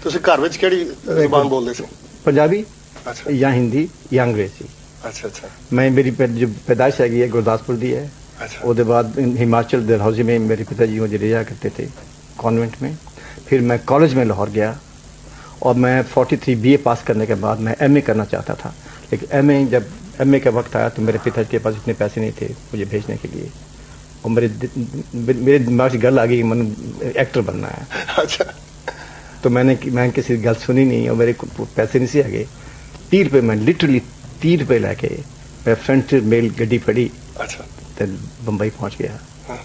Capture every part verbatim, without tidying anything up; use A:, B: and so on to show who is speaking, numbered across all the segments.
A: ਤੁਸੀਂ ਘਰ ਵਿੱਚ ਕਿਹੜੀ ਜ਼ੁਬਾਨ ਬੋਲਦੇ ਸੀ?
B: ਪੰਜਾਬੀ
A: ਅੱਛਾ
B: ਜਾਂ ਹਿੰਦੀ ਜਾਂ ਅੰਗਰੇਜ਼ੀ।
A: ਅੱਛਾ ਅੱਛਾ
B: मैं मेरी पै- जो पैदाइश हैगी है गुरदासपुर दी है।
A: अच्छा
B: उसके बाद हिमाचल डलहौजी में मेरे पिताजी मुझे ले जाया करते थे कॉन्वेंट में। फिर मैं कॉलेज में लाहौर गया और मैं तैंतालीस बीए पास करने के बाद मैं एमए करना चाहता था, लेकिन एमए जब एमए का वक्त आया तो मेरे पिताजी के पास इतने पैसे नहीं थे मुझे भेजने के लिए, और मेरे मेरे दिमाग से गल आ गई कि मैंने एक्टर बनना है।
A: अच्छा
B: तो मैंने मैंने किसी गल सुनी नहीं और मेरे को पैसे नहीं से आ गए। तीह रुपये मैं लिटरली तीह रुपये लैके मैं फ्रंट मेल गड्डी फड़ी
A: अच्छा
B: तो बंबई पहुंच गया।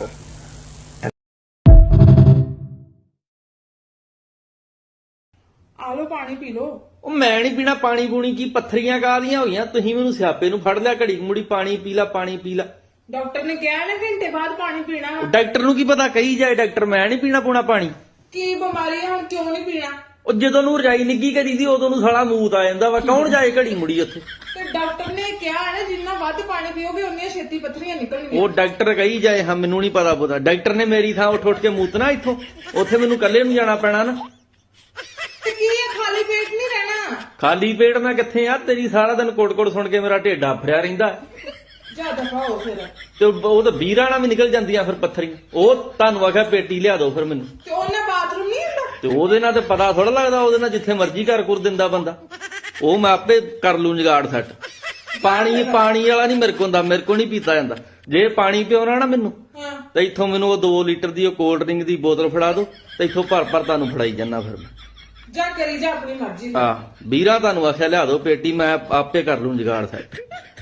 C: ਆ ਲੋ ਪਾਣੀ ਪੀ ਲੋ।
D: ਉਹ ਮੈਂ ਨਹੀਂ ਪੀਣਾ ਪਾਣੀ ਪੂਣੀ, ਕੀ ਪੱਥਰੀਆਂ ਕਾਹਦੀਆਂ ਹੋਈਆਂ ਤੁਸੀਂ ਮੈਨੂੰ ਸਿਆਪੇ ਨੂੰ ਫੜ ਲਿਆ ਘੜੀ ਮੁੜੀ ਪਾਣੀ ਪੀ ਲਾ ਪਾਣੀ ਪੀ ਲਾ।
C: ਡਾਕਟਰ ਨੇ ਕਿਹਾ ਨਾ ਘੰਟੇ ਬਾਅਦ ਪਾਣੀ ਪੀਣਾ।
D: ਉਹ ਡਾਕਟਰ ਨੂੰ ਕੀ ਪਤਾ ਕਹੀ ਜਾਏ ਡਾਕਟਰ, ਮੈਂ ਨਹੀਂ ਪੀਣਾ ਪੂਣਾ ਪਾਣੀ।
C: ਕੀ ਬਿਮਾਰੀ ਹੈ ਹੁਣ ਕਿਉਂ ਨਹੀਂ ਪੀਣਾ?
D: ਉਹ ਜਦੋਂ ਨੂੰ ਰਜਾਈ ਨਿੱਗੀ ਕਰੀ ਦੀ ਉਦੋਂ ਨੂੰ ਸਾਲਾ ਮੂਤ ਆ ਜਾਂਦਾ ਵਾ, ਕੌਣ ਜਾਏ ਘੜੀ ਮੁੜੀ ਉੱਥੇ।
C: ਤੇ ਡਾਕਟਰ ਨੇ ਕਿਹਾ ਹੈ ਨਾ ਜਿੰਨਾ ਵੱਧ ਪਾਣੀ ਪੀਓਗੇ ਉਨੀਆਂ ਛੇਤੀ ਪੱਥਰੀਆਂ ਨਿਕਲਣਗੀਆਂ।
D: ਉਹ ਡਾਕਟਰ ਕਹੀ ਜਾਏ, ਹਾਂ ਮੈਨੂੰ ਨਹੀਂ ਪਤਾ ਪਤਾ। ਡਾਕਟਰ ਨੇ ਮੇਰੀ ਥਾਂ ਉੱਠ ਉੱਠ ਕੇ ਮੂਤਣਾ ਇੱਥੋਂ, ਉੱਥੇ ਮੈਨੂੰ ਇਕੱਲੇ ਨੂੰ ਜਾਣਾ ਪੈਣਾ ਨਾ।
C: ਤੇ ਕੀ ਹੈ ਖਾਲੀ ਪੇਟ ਨਹੀਂ ਰਹਿਣਾ।
D: ਖਾਲੀ ਪੇਟ ਮੈਂ ਕਿੱਥੇ ਆ, ਤੇਰੀ ਸਾਰਾ ਦਿਨ ਕੋਟ-ਕੋਟ ਸੁਣ ਕੇ ਮੇਰਾ ਢਿੱਡ ਆਫਰਿਆ ਰਹਿੰਦਾ।
C: ਜਾ ਦਫਾ ਹੋ ਫਿਰ।
D: ਤੇ ਉਹ ਤਾਂ ਵੀਰਾਂ ਨਾਲ ਵੀ ਨਿਕਲ ਜਾਂਦੀਆਂ ਫਿਰ ਪੱਥਰੀਆਂ। ਉਹ ਤੁਹਾਨੂੰ ਆਖਿਆ ਪੇਟੀ ਲਿਆ ਦਿਓ ਫਿਰ ਮੈਨੂੰ।
C: ਤੇ ਉਹਨੇ ਬਾਥਰੂਮ ਨਹੀਂ ਹੁੰਦਾ।
D: ਤੇ ਉਹਦੇ ਨਾਲ ਤੇ ਪਤਾ ਥੋੜਾ ਲੱਗਦਾ, ਉਹਦੇ ਨਾਲ ਜਿੱਥੇ ਮਰਜ਼ੀ ਘਰ ਕੁਰ ਦਿੰਦਾ ਬੰਦਾ। ਉਹ ਮੈਂ ਆਪੇ ਕਰ ਲੂੰ ਜਗਾੜ ਸੈੱਟ। ਪਾਣੀ ਪਾਣੀ ਵਾਲਾ ਨਹੀਂ ਮੇਰੇ ਕੋਲ ਹੁੰਦਾ, ਮੇਰੇ ਕੋਲ ਨਹੀਂ ਪੀਤਾ ਜਾਂਦਾ। ਜੇ ਪਾਣੀ ਪਿਉਣਾ ਨਾ ਮੈਨੂੰ
C: ਹਾਂ
D: ਤੇ ਇੱਥੋਂ ਮੈਨੂੰ ਉਹ ਦੋ ਲੀਟਰ ਦੀ ਉਹ ਕੋਲਡ ਡਰਿੰਕ ਦੀ ਬੋਤਲ ਫੜਾ ਦਿਓ ਤੇ ਇੱਥੋਂ ਭਰ ਭਰ ਤੁਹਾਨੂੰ ਫੜਾਈ ਜਾਂਦਾ ਫਿਰ ਮੈਂ।
C: ਜਾ ਕਰੀ ਜਾ ਆਪਣੀ ਮਰਜ਼ੀ।
D: ਆ ਵੀਰਾਂ ਤੁਹਾਨੂੰ ਆਖਿਆ ਲਿਆ ਦਿਓ ਪੇਟੀ, ਮੈਂ ਆਪੇ ਕਰ ਲੂੰ ਜਗਾੜ ਸੈੱਟ।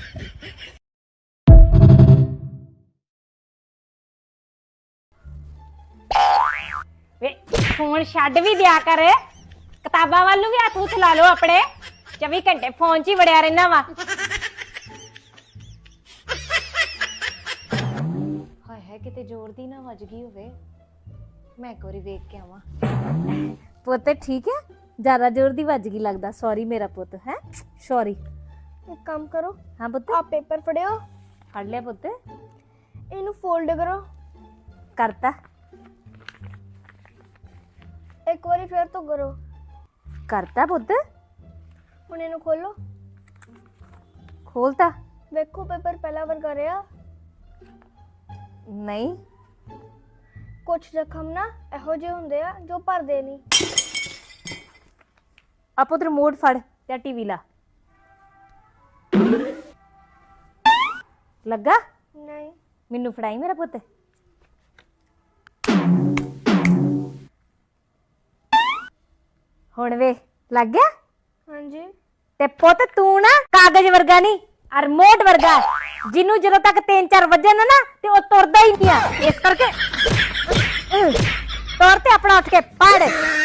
E: ਵੇ ਫੋਨ ਛੱਡ ਵੀ ਦਿਆ ਕਰ, ਕਿਤਾਬਾਂ ਵੱਲ ਨੂੰ ਵੀ ਹੱਥ ਉੱਠ ਲਾ ਲਓ ਆਪਣੇ। ਚੌਵੀ ਘੰਟੇ ਫੋਨ 'ਚ ਹੀ ਵੜਿਆ ਰਹਿਣਾ ਵਾ। ਹਾਏ ਹਾਏ ਕਿਤੇ ਜ਼ੋਰ ਦੀ ਨਾ ਵੱਜ ਗਈ ਹੋਵੇ, ਮੈਂ ਇੱਕ ਵਾਰੀ ਵੇਖ ਕੇ ਆਵਾਂ। ਪੁੱਤ ਠੀਕ ਹੈ? ਜ਼ਿਆਦਾ ਜ਼ੋਰ ਦੀ ਵੱਜ ਗਈ ਲੱਗਦਾ। ਸੌਰੀ ਮੇਰਾ ਪੁੱਤ। ਹੈ ਸੌਰੀ।
F: एक काम करो,
E: ਹਾਂ ਪੁੱਤ
F: आप पेपर पढ़े हो,
E: ਫੜ ਲਿਆ ਪੁੱਤ।
F: इनू फोल्ड करो
E: ਕਰਤਾ
F: एक बारी फिर तो करो।
E: ਕਰਤਾ ਪੁੱਤ।
F: हुण इनू खोलो,
E: ਖੋਲਤਾ
F: देखो पेपर पहला वर्गा रहा।
E: ਨਹੀਂ।
F: कुछ जख्म ना ਇਹੋ ਜਿਹੇ ਹੁੰਦੇ ਆ ਜੋ ਭਰਦੇ ਨਹੀਂ।
E: ਆ ਪੁੱਤ ਰਿਮੋਟ ਫੜ ਤੇ ਟੀਵੀ ਲਾ। ਲੱਗਾ?
F: ਨਹੀਂ
E: ਮੈਨੂੰ ਫੜਾਈ ਮੇਰਾ ਪੁੱਤ। ਹੁਣ ਵੇ ਲੱਗ ਗਿਆ?
F: ਹਾਂਜੀ
E: ਤੇ ਪੁੱਤ ਤੂੰ ਨਾ ਕਾਗਜ਼ ਵਰਗਾ ਨਹੀਂ, ਆ ਰਿਮੋਟ ਵਰਗਾ, ਜਿਹਨੂੰ ਜਦੋਂ ਤੱਕ ਤਿੰਨ ਚਾਰ ਵਜੇ ਨਾ ਨਾ ਤੇ ਉਹ ਤੁਰਦਾ ਹੀ ਨਹੀਂ ਆ। ਇਸ ਕਰਕੇ ਤੁਰ ਤੇ ਆਪਣਾ ਉੱਠ ਕੇ ਪੜ।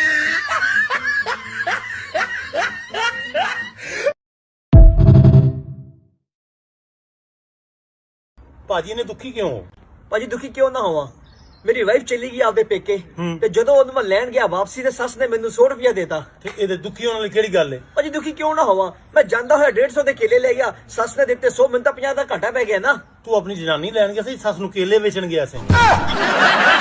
G: ਭਾਜੀ ਨੇ ਦੁਖੀ ਕਿਉਂ ਹੋ?
H: ਭਾਜੀ ਦੁਖੀ ਕਿਉਂ ਨਾ ਹੋਵਾਂ, ਮੇਰੀ ਵਾਈਫ ਚਲੀ ਗਈ ਆਪਦੇ ਪੇਕੇ ਤੇ ਜਦੋਂ ਉਹਨੂੰ ਮੈਂ ਲੈਣ ਗਿਆ ਵਾਪਸੀ ਤੇ ਸੱਸ ਨੇ ਮੈਨੂੰ ਸੌ ਰੁਪਇਆ ਦੇਤਾ।
G: ਤੇ ਇਹਦੇ ਦੁਖੀ ਹੋਣ ਵਾਲੀ ਕਿਹੜੀ ਗੱਲ ਹੈ?
H: ਭਾਜੀ ਦੁਖੀ ਕਿਉਂ ਨਾ ਹੋਵਾਂ, ਮੈਂ ਜਾਂਦਾ ਹੋਇਆ ਡੇਢ ਸੌ ਦੇ ਕੇਲੇ ਲੈ ਗਿਆ, ਸੱਸ ਨੇ ਦਿੱਤੇ ਸੌ, ਮੈਨੂੰ ਤਾਂ ਪੰਜਾਹ ਦਾ ਘਾਟਾ ਪੈ ਗਿਆ ਨਾ।
G: ਤੂੰ ਆਪਣੀ ਜਨਾਨੀ ਲੈਣ ਗਿਆ ਸੀ, ਸੱਸ ਨੂੰ ਕੇਲੇ ਵੇਚਣ ਗਿਆ ਸੀ।